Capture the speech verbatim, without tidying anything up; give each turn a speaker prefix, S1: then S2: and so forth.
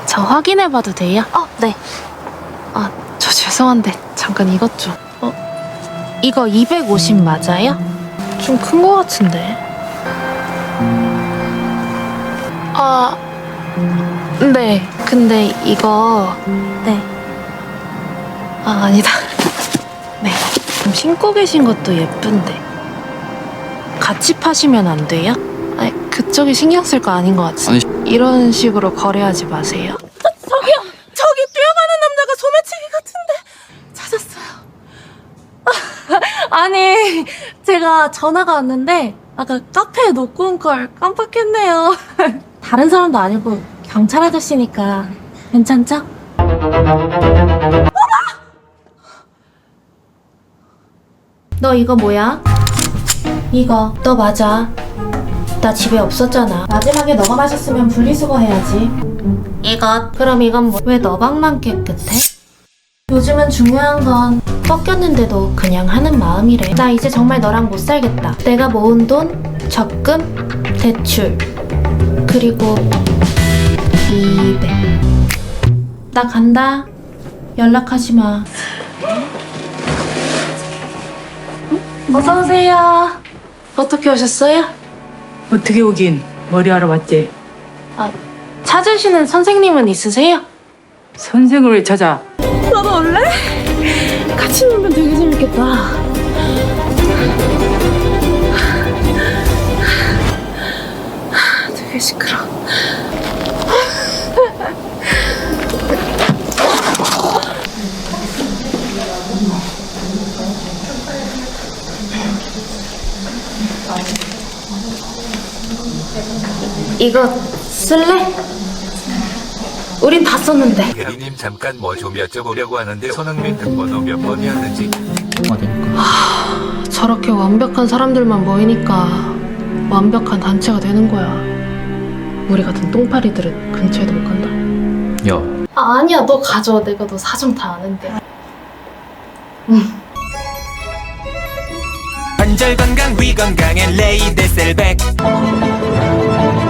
S1: 저 확인해봐도 돼요?
S2: 어, 네.
S1: 아, 저 죄송한데 잠깐 이것 좀. 어, 이거 이백오십 맞아요? 좀 큰 거 같은데. 아, 네. 근데 이거
S2: 네.
S1: 아, 아니다. 네. 좀 신고 계신 것도 예쁜데 같이 파시면 안 돼요? 아니, 그쪽이 신경 쓸 거 아닌 것 같은데.
S3: 아니,
S1: 이런 식으로 거래하지 마세요.
S2: 저기요! 저기 뛰어가는 남자가 소매치기 같은데 찾았어요. 아니, 제가 전화가 왔는데 아까 카페에 놓고 온 걸 깜빡했네요. 다른 사람도 아니고 경찰 아저씨니까 괜찮죠? 너 이거 뭐야? 이거 너 맞아. 나 집에 없었잖아. 마지막에 너가 마셨으면 분리수거 해야지. 이것. 그럼 이건 뭐? 왜 너방만 깨끗해? 요즘은 중요한 건 꺾였는데도 그냥 하는 마음이래. 나 이제 정말 너랑 못 살겠다. 내가 모은 돈, 적금, 대출, 그리고 이백. 나 간다. 연락하지 마. 어서 오세요. 어떻게 오셨어요?
S4: 어떻게 오긴 머리하러 왔지?
S1: 아, 찾으시는 선생님은 있으세요?
S4: 선생을 왜 찾아?
S1: 나도 올래? 같이 놀면 되게 재밌겠다. 되게 시끄러. 이거 쓸래? 우린 다 썼는데.
S5: 대리님 잠깐 뭐 좀 여쭤보려고 하는데 손흥민 등번호 몇 번이었는지.
S1: 저렇게 완벽한 사람들만 모이니까 완벽한 단체가 되는 거야. 우리 같은 똥파리들은 근처에도 못 간다.
S3: 야,
S1: 아, 아니야, 너 가져. 내가 너 사정 다 아는데.
S6: 관절 건강 위 건강엔 레이데셀백